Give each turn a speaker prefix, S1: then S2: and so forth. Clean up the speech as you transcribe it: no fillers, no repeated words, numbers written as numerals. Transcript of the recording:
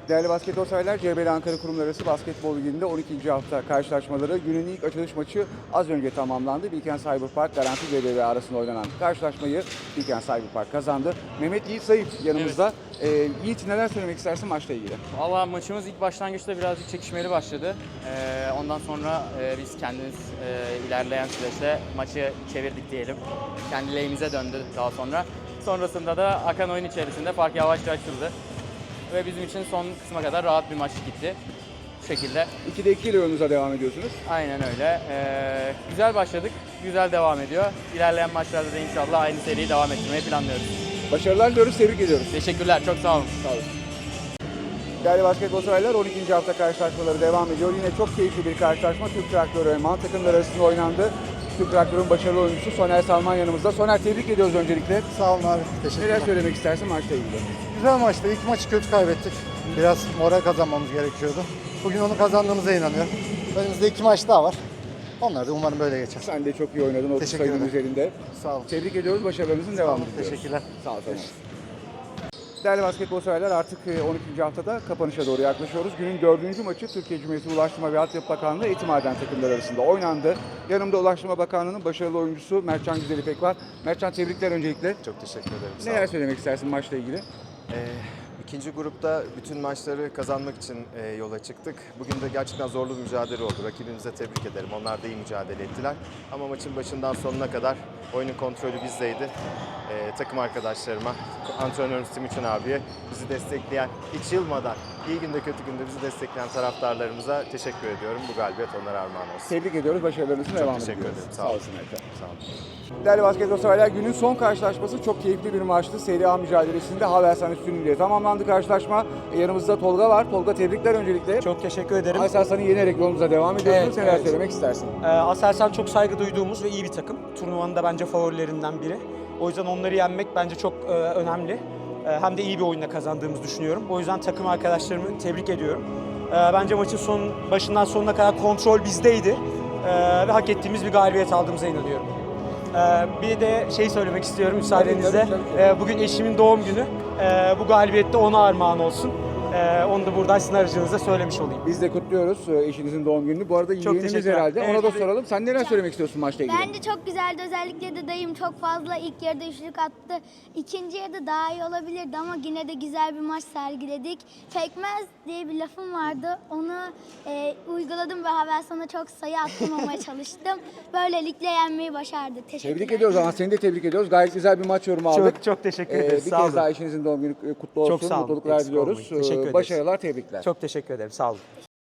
S1: Değerli basketbol severler, CBL Ankara Kurumlar Arası Basketbol Ligi'nde 12. hafta karşılaşmaları günün ilk açılış maçı az önce tamamlandı. Bilkent Cyberpark Garanti CBL arasında oynanan karşılaşmayı Bilkent Cyberpark kazandı. Mehmet Yiğit Zayıf yanımızda. Yiğit, neler söylemek istersin maçla ilgili?
S2: Valla maçımız ilk başlangıçta birazcık çekişmeli başladı. Ondan sonra biz kendimiz ilerleyen süreçte maçı çevirdik diyelim. Kendi lehimize döndü daha sonra. Sonrasında da akan oyun içerisinde fark yavaşça açıldı. Ve bizim için son kısma kadar rahat bir maç gitti. Bu şekilde.
S1: 2'de 2 ile yolunuza devam ediyorsunuz.
S2: Aynen öyle. Güzel başladık, güzel devam ediyor. İlerleyen maçlarda da inşallah aynı seriyi devam ettirmeyi planlıyoruz.
S1: Başarılar diliyoruz, tebrik ediyoruz.
S2: Teşekkürler, çok sağ olun.
S1: Sağ olun. Değerli basketbol severler, 12. hafta karşılaşmaları devam ediyor. Yine çok keyifli bir karşılaşma Türk Traktörü ve Man takımları arasında oynandı. Türk Traktörü'nün başarılı oyuncusu Soner Salman yanımızda. Soner, tebrik ediyoruz öncelikle.
S3: Sağ olun abi. Teşekkürler.
S1: Neler söylemek istersin maçla ilgili?
S3: Güzel maçtı. İlk maçı kötü kaybettik. Biraz moral kazanmamız gerekiyordu. Bugün onu kazandığımıza inanıyorum. Önümüzde 2 maç daha var. Onlar da umarım böyle geçer.
S1: Sen de çok iyi oynadın 30
S3: Teşekkür
S1: sayının
S3: ederim.
S1: üzerinde.
S3: Sağ olun.
S1: Tebrik ediyoruz, başarılarınızın devamını diliyoruz.
S3: Teşekkürler.
S1: Sağ olun. Değerli basketbol severler, artık 12. haftada kapanışa doğru yaklaşıyoruz. Günün 4. maçı Türkiye Cumhuriyeti Ulaştırma ve Altyapı Bakanlığı Etimaden takımları arasında oynandı. Yanımda Ulaştırma Bakanlığı'nın başarılı oyuncusu Mertcan Güzelipek var. Mertcan, tebrikler öncelikle.
S4: Çok teşekkür ederim. Sağ
S1: Neler
S4: olun.
S1: söylemek istersin maçla ilgili?
S4: İkinci grupta bütün maçları kazanmak için yola çıktık. Bugün de gerçekten zorlu bir mücadele oldu. Rakibimize tebrik ederim. Onlar da iyi mücadele ettiler. Ama maçın başından sonuna kadar oyunun kontrolü bizdeydi. Takım arkadaşlarıma, antrenörümüz Timuçin abiye, bizi destekleyen, hiç yılmadan, iyi günde kötü günde bizi destekleyen taraftarlarımıza teşekkür ediyorum. Bu galibiyet onlara armağan olsun.
S1: Tebrik ediyoruz, başarılarınızın devamını
S4: teşekkür
S1: diliyoruz.
S4: ederim. Sağ
S1: Sağ
S4: olun.
S1: olsun Mertcan.
S4: Sağ olun.
S1: Değerli basketbol severler, günün son karşılaşması çok keyifli bir maçtı. Serie A mücadelesinde Havelsan üstünlüğüyle tamamlandı karşılaşma. Yanımızda Tolga var. Tolga, tebrikler öncelikle.
S5: Çok teşekkür ederim.
S1: Aselsan'ı yenerek yolumuza devam ediyorsunuz.
S5: Evet,
S1: Neler
S5: evet.
S1: söylemek istersin?
S5: Aselsan çok saygı duyduğumuz ve iyi bir takım. Turnuvanın da bence favorilerinden biri. O yüzden onları yenmek bence çok önemli. Hem de iyi bir oyunla kazandığımızı düşünüyorum. O yüzden takım arkadaşlarımı tebrik ediyorum. Bence maçın başından sonuna kadar kontrol bizdeydi. Ve hak ettiğimiz bir galibiyet aldığımıza inanıyorum. Bir de söylemek istiyorum müsaadenizle.
S1: Tabii.
S5: Bugün eşimin doğum günü. Bu galibiyet de ona armağan olsun. Onu da buradan sizin aracınızda söylemiş olayım.
S1: Biz de kutluyoruz eşinizin doğum gününü. Bu arada yeğenimiz
S5: teşekkürler.
S1: herhalde.
S5: Evet,
S1: Ona da
S5: evet.
S1: soralım. Sen neler söylemek istiyorsun maçla ilgili?
S6: Bence çok güzeldi. Özellikle de dayım çok fazla ilk yarıda üçlük attı. İkinci yarıda daha iyi olabilirdi ama yine de güzel bir maç sergiledik. Pekmez diye bir lafım vardı. Onu uyguladım ve Havelsan'a çok sayı attırmamaya çalıştım. Böylelikle yenmeyi başardık. Teşekkürler.
S1: Tebrik ediyoruz ama seni de tebrik ediyoruz. Gayet güzel bir maç yorumu aldık.
S5: Çok teşekkür ederiz.
S1: Bir
S5: Sağ
S1: kez
S5: olun.
S1: daha eşinizin doğum günü kutlu olsun.
S5: Çok sağ olun.
S1: Mutluluklar
S5: Eksik
S1: diliyoruz.
S5: olmayın. Teşekkür ederiz.
S1: Başarılar, tebrikler.
S5: Çok teşekkür ederim. Sağ olun.